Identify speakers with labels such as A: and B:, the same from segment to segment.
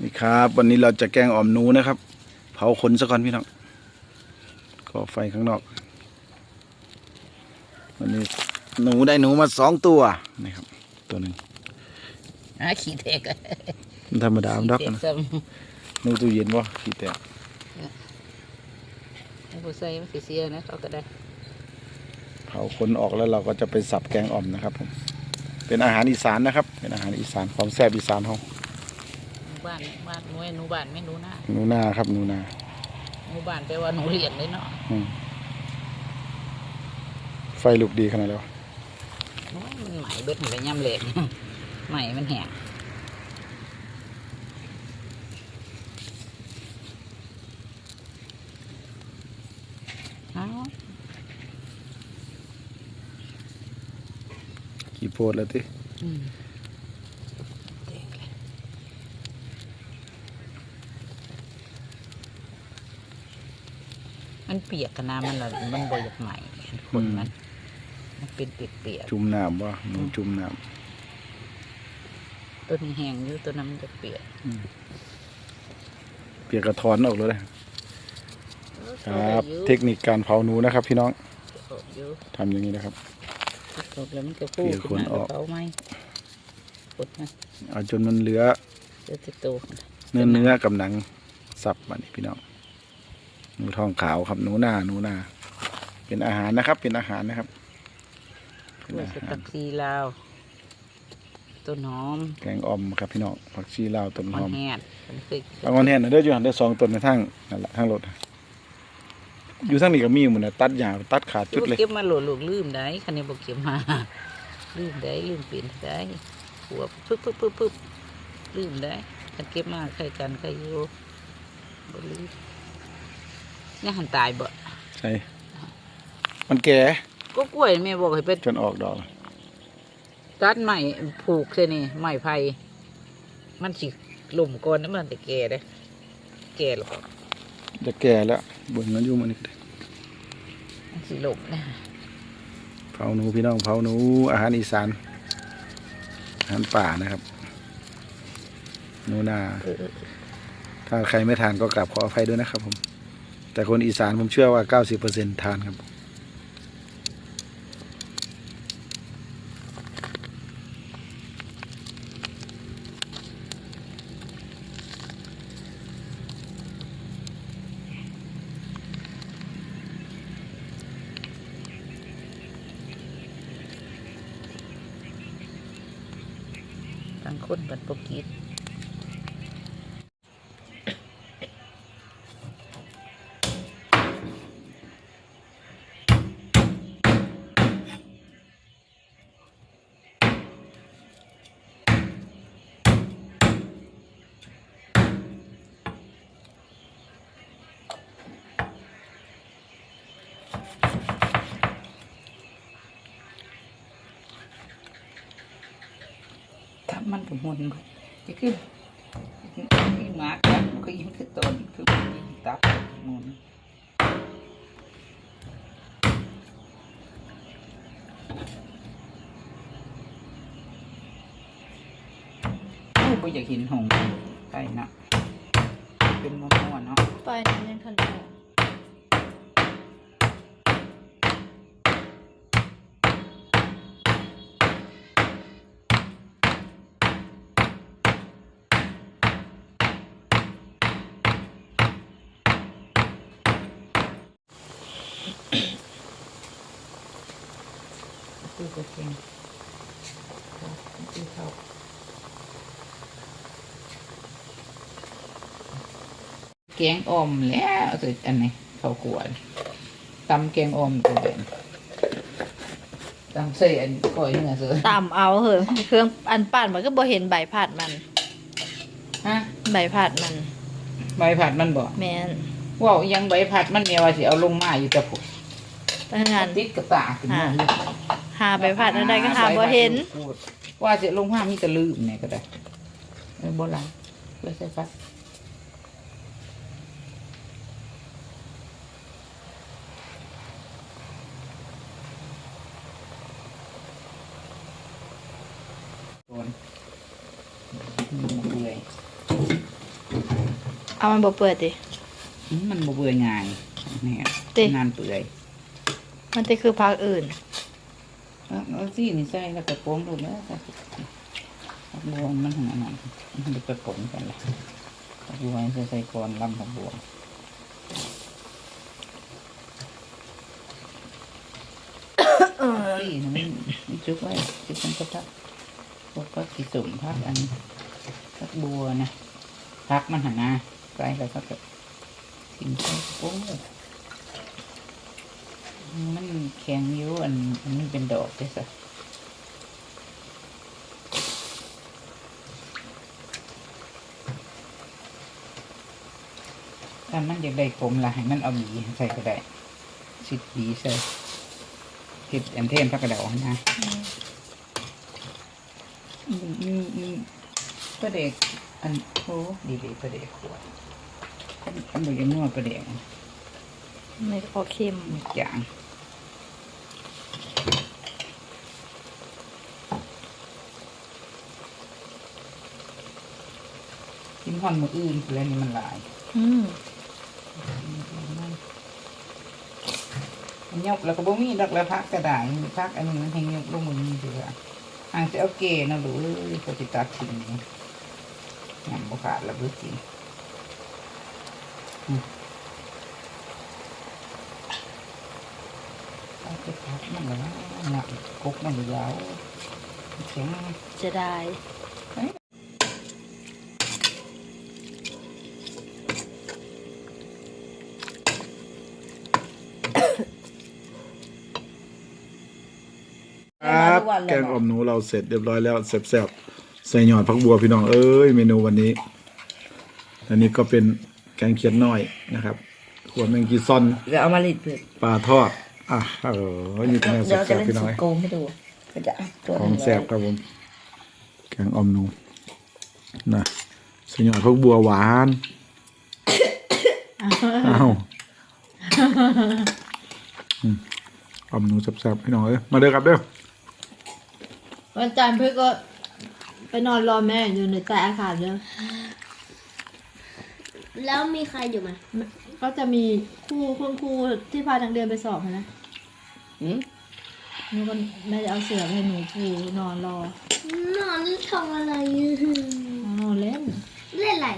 A: นี่ครับวันนี้เราจะแกงอ่อมหนูนะครับเผาขนซะก่อนพี่น้องก่อไฟข้างนอกวันนี้หนูได้หนูมา2 ตัวนี่ครับตัวหนึ่ง
B: ขี้แตก
A: มันธรรมดามันดอกนะหนูตู้เย็นวะขี้แตก
B: ผู้ใส่มันเสียนะเขาก็ได้
A: เผาขนออกแล้วเราก็จะไปสับแกงอ่อมนะครับผมเป็นอาหารอีสานนะครับเป็นอาหารอีสานของแซ่บอีสานเขา
B: บ้านหนูหนูบ้านไม่หนูหน้า
A: หนูนาครับหนูนา
B: หนูบ้านแปลว่าหนูเลี้ยงเลยเนาะ
A: ไฟลุกดีขนาดแล้ว
B: มันไหมเบิดไปย่ำเหล็กไหมมันแห้ง
A: กี่โพดแล้วที่
B: มันเปียกกันนะมันละมันบ่อยากใหม่คนมันเป็นเปียก
A: จุ่มน้ำวะหนูจุ่มน้
B: ำตัวนี้แห้งอยู่ตัวนั้นมันจะเปียก
A: เปียกกระถอนออกเลยครับเทคนิคการเผาหนูนะครับพี่น้องทำอย่างนี้นะครับ
B: แล้วมันจะพูดขึ้นมาเผาไหมกดนะ
A: เอาจนมันเหลือเนื้อกับหนังสับมานี่พี่น้องหนูทองขาวครับหนูนาเป็นอาหารนะครับเป็นอาหารนะครับ
B: ผักชีลาวต้นหอม
A: แกงอ่อมครับพี่น้องผักชีลาวต้นหอม
B: แห้ง
A: บางวันแห้งเด้ออยู่หันได้2 ต้นในทั้งนั่นแหละทั้งรถอยู่ทั้งนี้ก็มีหมดนะตัดหญ้าตัดขาดจุดเลย
B: เก็บมาโหลดลืมได้คันนี้บอกเก็บมาลืมได้ลืมเปลี่ยนได้หัวปึ๊บลืมได้คันเก็บมาใครกันใครอยู่บ่ลืมนี่หันตายบ่
A: ใช่มันแก่
B: ก็กล้วยแม่บอกให้เป็น
A: จนออกดอก
B: ตัดใหม่ผูกใช่นี่ใหม่ไผ่มันสิหล่มก่อนนะมันแต่แก่เลยแก่หรอก
A: จะแก่แล้วบนมันอยู่มันนี่
B: มันสิหล่มนะ
A: เผาหนูพี่น้องเผาหนูอาหารอีสานอาหารป่านะครับหนูนาถ้าใครไม่ทานก็กราบขออภัยด้วยนะครับผมแต่คนอีสานผมเชื่อว่า 90% ทานครับ
B: บางคนบัดปกิดมันผมหมุนจะขึ้นมาร์กนะก็ยิ่งขึ้นต้นคือยิ่งตับหมุนไม่อยากเห็นหงไปนะเป็นม้วนเนาะ
C: ไปนั้นยังทันได้
B: คือก็เก่งคือเขาแกงอ่อมแล้วอันไหนข้าวขวดตำแกงอ่อมตัวเด่นตำใส่อันก้อยเนื้อเสือ
C: ตำเอาเหอะเครื่องอันปั่นมันก็บ่เห็นใบผัดมัน
B: ฮะ
C: ใบผัดมัน
B: ใบผัดมันบ่
C: แม่น
B: ว้าวยังใบผัดมันเนี่ยว่าสิเอาลงมาอยู่แต่ผม
C: ตั้งงาน
B: ติดกระตาขึ้นมา
C: หาใบผัดอะไรก็หาบ่เห็น
B: ว่าสิลงมามีแต่ลืมเนี่ยก็ได้โบราณเลยใส่ฟัดเลย
C: เอามันบ่เปิดดิ
B: มันบ่เบื่อง่ายนี่
C: ติ
B: งานเปื่อย
C: มันจะคือพักอื่น
B: เอาสินี่ใส่แล้วก็โป้งลงแล้วก็ผักบัวมันขนาดนั้นมันจะไปผงกันเลยผักบัวใส่ก่อนลำผักบัวสิมันจุกไว้จุกมันก็ทักพวกก็สีสุ่มพักอันผักบัวนะพักมันหันหน้าใส่แล้วก็แบบกินใส่โป้งมันแข็งอยู่อันมันเป็นดอกได้สิถ้ามันอยากได้ผมละให้มันเอาหวีใส่ก็ได้สิบหวีใส่ติดอันเทมพักกระเดานะประเด็กอันโอ้ดีประเด็กขวดอันเดียวกันนวดประเด็ก
C: ไม่พอเค็ม
B: อย่างกินห่อนมืออื่นแล้วนี่มันหลาย มันยกแล้วก็บ่มีดอกแล้วพักกระดาษพักอันนี้มันแห้งยกลงมือนี่เถอะห่างจะเอาเกนะหรือปฏิตัดทิ้งนี่ยำบุขาดแล้วบุกินเอาไปพักมันแล้วหนักกกมันยาวแข็ง
C: จะได้
A: ครับแกงอ่อมหนูเราเสร็จเรียบร้อยแล้วแซ่บๆใส่หยอดผักบัวพี่น้องเอ้ยเมนูวันนี้อันนี้ก็เป็นแกงเขียดน้อยนะครับขวดแมงกีซอน
B: เดี๋ยวเอามาลิดเพื่อ
A: ปลาทอดนี่เป็นแนว
B: เดี๋ยวจะ
A: แซ่บ
B: เล่น
A: ๆพี่น้อง
B: สุดโกงให้ดูก็จะตัว
A: ของแซ่บครับผมแกงอ่อมหนูนะใส่หยอดผักบัวหวานอ้าวอ่อมหนูแซ่บๆพี่น้องเอ้ยมาเด้อครับเด้อ
C: วันจันทร์เพื่อก็ไปนอนรอแม่อยู่ในใต้อาคารเด้อ
D: แล้วมีใครอยู่ไหม
C: ก็จะมีคุณครูที่พาทางเดือนไปสอบนะ
B: อืม
C: หนูก็แม่จะเอาเสือไปให้หนูปูนอนรอน
D: อนทำอะไร
C: นอนเล่น
D: เล่นอะไร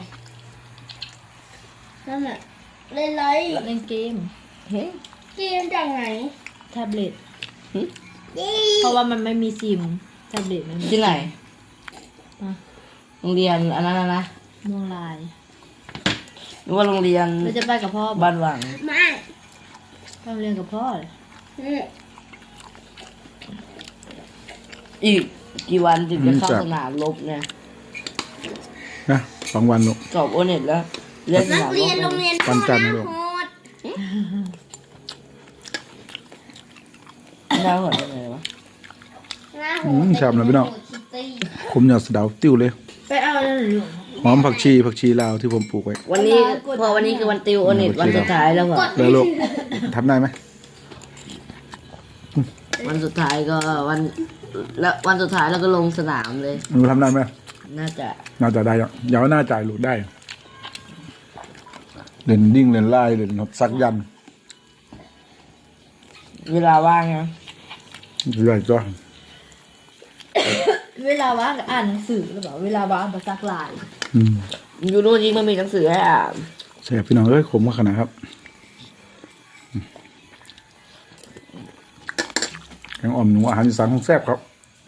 D: นั่นแหละเล่นอะไร
C: เล่นเกม
B: เฮ้ย
D: เกมจากไหน
C: แท็บเล็ต
D: ยี่
C: เพราะว่ามันไม่มีซิมแท็บเล็ตมันมี
B: ที่ไหน
C: อ่ะ
B: โรงเรียนอันนั้นนะ
C: ม่วงลาย
B: หรือว่าโรงเรียน
C: เราจะไปกับพ่อ
B: บ้านหวัง
D: มา
C: ไปโรงเรียนกับพ่อเลย
B: อีกกี่วันถึงจะเข้าสนามรบเนี่ย
A: นะ2 วันลูก
B: สอบโอเน็ตแล้วเรียนส
D: นัก
B: นามร
D: เรีย
B: บ
D: นโรงเรียน
A: วันจันทร์
D: โห
A: ลูก
D: ด
B: น่าหัวได้ไงวะ
D: นะโหด
A: ชามนะพี่น้อง
D: คิตตี้
A: ผมอยากสะเดาติ้วเลย
C: ไปเอานั่นหรือ
A: หอมผักชีลาวที่ผมปลูกไว้
B: วันนี้พอวันนี้คือวันติวโอเน็ตวันสุดท้ายแล้วเหรอ
A: แล้วลูกทำได้ไหม
B: วันสุดท้ายก็แล้ววันสุดท้ายแล้วก็ลงสนามเลย
A: หนูทำได้ไหม
B: น่าจะ
A: น่าจะได้หรอกอย่าว่าน่าจ่ายลูกได้เล่นดิ้งเล่นไล่เล่นซักยัน
B: เวลาว่างนะ
A: เรื่อยจ้ะ
C: เวลาว่างก็อ่านหนังสือหรือเปล่าเวลาว่างก็ซักลาย
B: อยู่นู่นจริงมันมีหนังสือให้อ่าน
A: แซ่บพี่น้องเอ้ยขมมากขนาดครับแกงอ่อมหนูอาหารอีสานของแซ่บครับ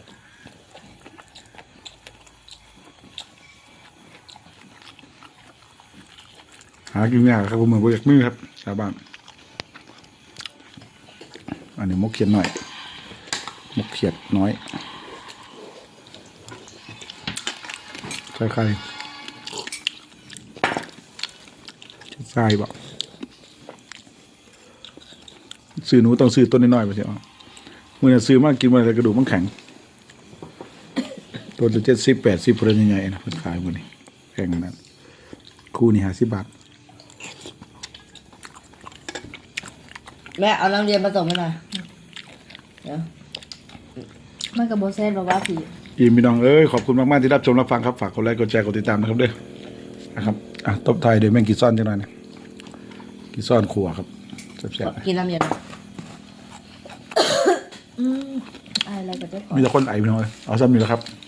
A: หากินยากครับผมเหมือนโปรเจกต์มือครับชาวบ้านอันนี้มกเขียดหน่อยมกเขียดน้อยใส่ไข่ใส่บ่ซื้อหนูต้องซื้อต้นน้อยๆไปเสียเมื่อซื้อมากกินมาแต่กระดูกมันแข็งตัวละ70-80เปอร์เซ็นต์ใหญ่ๆนะเพิ่นขายหมดนี่แข็งขนาดนั้นคู่นี่50 บาท
B: แม่เอานักเรียนผสมให้หน่อยเดี๋ยว
C: มันกับโบเซนบอกว่าผี
A: พี่น้องเอ้ยขอบคุณมากๆที่รับชมรับฟังครับฝากกดไลค์กดแชร์กดติดตามนะครับเด้อนะครับตบไทายโดยแมงกีซ่อนจังหน่อยนะกีซ่อนขัวครับแซ่บๆ
B: กินน้ำเย็น
C: อะไรก็ได้ก่อน
A: มีแต่คนไอพี่น้องเลยเอาซ้ำนี่แหละครับ